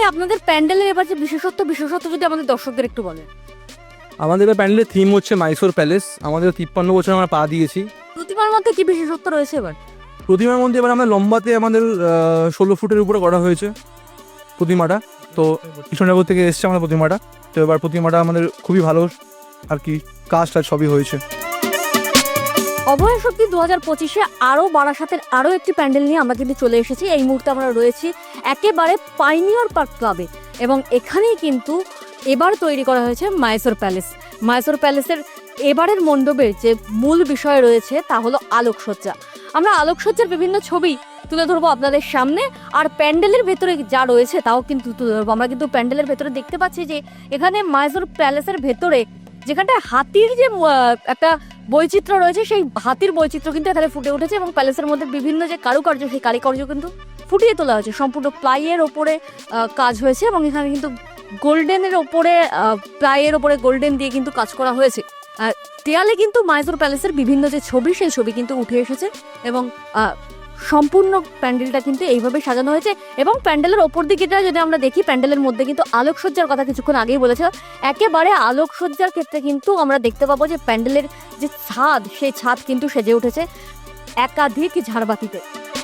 আপনাদের প্যান্ডেলের এবার যে বিশেষত্ব যদি আমাদের দর্শকদের একটু বলেন। আমাদের এবার প্যান্ডেলের থিম হচ্ছে মাইসোর প্যালেস। আমাদের 53 বছর আমরা পা দিয়েছি। প্রতিমার মধ্যে কি বিশেষত্ব রয়েছে এবার? প্রতিমার মধ্যে এবার আমরা লম্বাতে আমাদের 16 ফুটের উপরে করা হয়েছে প্রতিমাটা। তো কৃষ্ণনগর থেকে এসছে আমাদের প্রতিমাটা। তো এবার প্রতিমাটা আমাদের খুবই ভালো আর কি কাজ টাজ সবই হয়েছে। অভয় শক্তি 2025-এ আরও বারাসাতের আরও একটি প্যান্ডেল নিয়ে আমরা কিন্তু চলে এসেছি। এই মুহূর্তে আমরা রয়েছি একেবারে পাইনিয়র পার্ক ক্লাবে এবং এখানেই কিন্তু এবার তৈরি করা হয়েছে মাইসোর প্যালেস। মাইসোর প্যালেসের এবারের মণ্ডপের যে মূল বিষয় রয়েছে তা হলো আলোকসজ্জা। আমরা আলোকসজ্জার বিভিন্ন ছবি তুলে ধরবো আপনাদের সামনে, আর প্যান্ডেলের ভেতরে যা রয়েছে তাও কিন্তু তুলে ধরবো। আমরা কিন্তু প্যান্ডেলের ভেতরে দেখতে পাচ্ছি যে এখানে মাইসোর প্যালেসের ভেতরে যেখানটায় হাতির যে একটা বৈচিত্র্য রয়েছে, সেই হাতির বৈচিত্র্য কিন্তু এখানে ফুটে উঠেছে এবং প্যালেসের মধ্যে বিভিন্ন যে কারুকার্য, সেই কারুকার্য কিন্তু ফুটিয়ে তোলা হয়েছে। সম্পূর্ণ প্লাইয়ের ওপরে কাজ হয়েছে এবং এখানে কিন্তু গোল্ডেনের ওপরে প্লাইয়ের ওপরে গোল্ডেন দিয়ে কিন্তু কাজ করা হয়েছে। দেয়ালে কিন্তু মাইসোর প্যালেসের বিভিন্ন যে ছবি, সেই ছবি কিন্তু উঠে এসেছে এবং সম্পূর্ণ প্যান্ডেলটা কিন্তু এইভাবে সাজানো হয়েছে। এবং প্যান্ডেলের ওপর দিকেটা যদি আমরা দেখি, প্যান্ডেলের মধ্যে কিন্তু আলোকসজ্জার কথা কিছুক্ষণ আগেই বলেছে। একেবারে আলোকসজ্জার ক্ষেত্রে কিন্তু আমরা দেখতে পাবো যে প্যান্ডেলের যে ছাদ, সেই ছাদ কিন্তু সেজে উঠেছে একাধিক ঝাড়বাতিতে।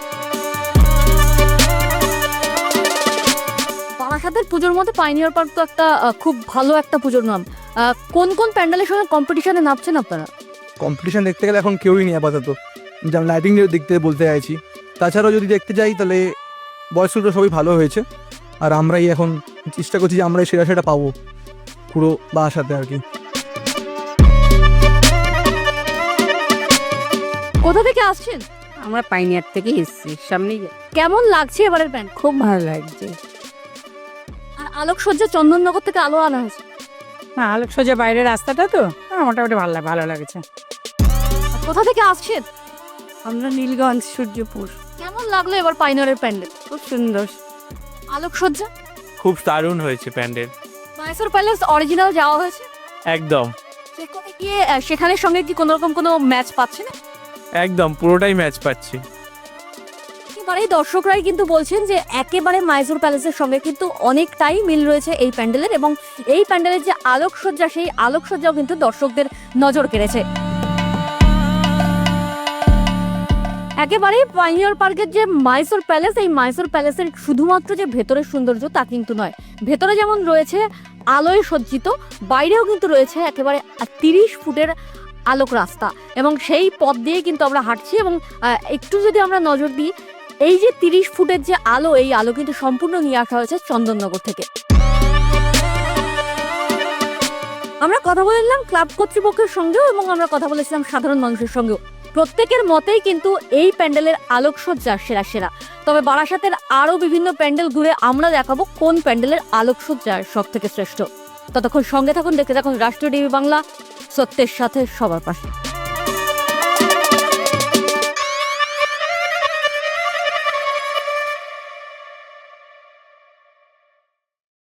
বারাসাতের পুজোর মধ্যে পাইনিয়র পার্ক তো একটা খুব ভালো একটা পুজোর নাম। কোন কোন প্যান্ডেলের সঙ্গে কম্পিটিশনে নামছেন আপনারা? কম্পিটিশন দেখতে গেলে এখন কেউই নেই আপাতত, যেমন লাইটিং দেখতে বলতে চাইছি। তাছাড়াও যদি দেখতে যাই তাহলে বয়সগুলো সবই ভালো হয়েছে, আর আমরাই এখন চেষ্টা করছি যে আমরাই সেটা পাবো পুরো বাসাতে আর কি। কোথা থেকে আসছেন? আমরা পাইনিয়ার থেকে এসেছি, সামনেই। কেমন লাগছে এবারের প্যান্ড? খুব ভালো লাগছে। আর আলোকসজ্জা চন্দননগর থেকে আলো আনা হয়েছে। হ্যাঁ, আলোকসজ্জা বাইরের রাস্তাটা তো মোটামুটি ভালো লাগছে। কোথা থেকে আসছেন? আমরা নীলগঞ্জ, সূর্যপুর। কেমন লাগলো এবার পাইনিয়রের প্যান্ডেল? খুব সুন্দর। আলোকসজ্জা খুব দারুণ হয়েছে প্যান্ডেল। মাইসোর প্যালেস অরিজিনাল যাওয়া হয়েছে? একদম সেখানে গিয়ে সেখানের সঙ্গে কি কোনো রকম কোনো ম্যাচ পাচ্ছে না? একদম পুরোটাই ম্যাচ পাচ্ছি। এবারে দর্শকরাই কিন্তু বলছেন যে একেবারে মাইসোর প্যালেসের সঙ্গে কিন্তু অনেকটাই মিল রয়েছে এই প্যান্ডেলের, এবং এই প্যান্ডেলের যে আলোকসজ্জা, সেই আলোকসজ্জাও কিন্তু দর্শকদের নজর কেড়েছে। একেবারে পাইনিয়র পার্কের যে মাইসোর প্যালেস, এই মাইসোর প্যালেসের শুধুমাত্র যে ভেতরের সৌন্দর্য তা কিন্তু নয়। ভেতরে যেমন রয়েছে আলোয় সজ্জিত, বাইরেও কিন্তু রয়েছে একেবারে 30 ফুটের আলোক রাস্তা, এবং সেই পথ দিয়ে কিন্তু আমরা হাঁটছি। এবং একটু যদি আমরা নজর দিই, এই যে 30 ফুটের যে আলো, এই আলো কিন্তু সম্পূর্ণ নিয়ে আসা হয়েছে চন্দননগর থেকে। আমরা কথা বলেছিলাম ক্লাব কর্তৃপক্ষের সঙ্গেও এবং আমরা কথা বলেছিলাম সাধারণ মানুষের সঙ্গেও। প্রত্যেকের মতেই কিন্তু এই প্যান্ডেলের আলোকসজ্জা সেরা। তবে বারাসাতের আরও বিভিন্ন প্যান্ডেল ঘুরে আমরা দেখাবো কোন প্যান্ডেলের আলোকসজ্জা সব থেকে শ্রেষ্ঠ। ততক্ষণ সঙ্গে থাকুন, দেখতে থাকুন রাষ্ট্রীয় টিভি বাংলা, সত্যের সাথে সবার পাশে।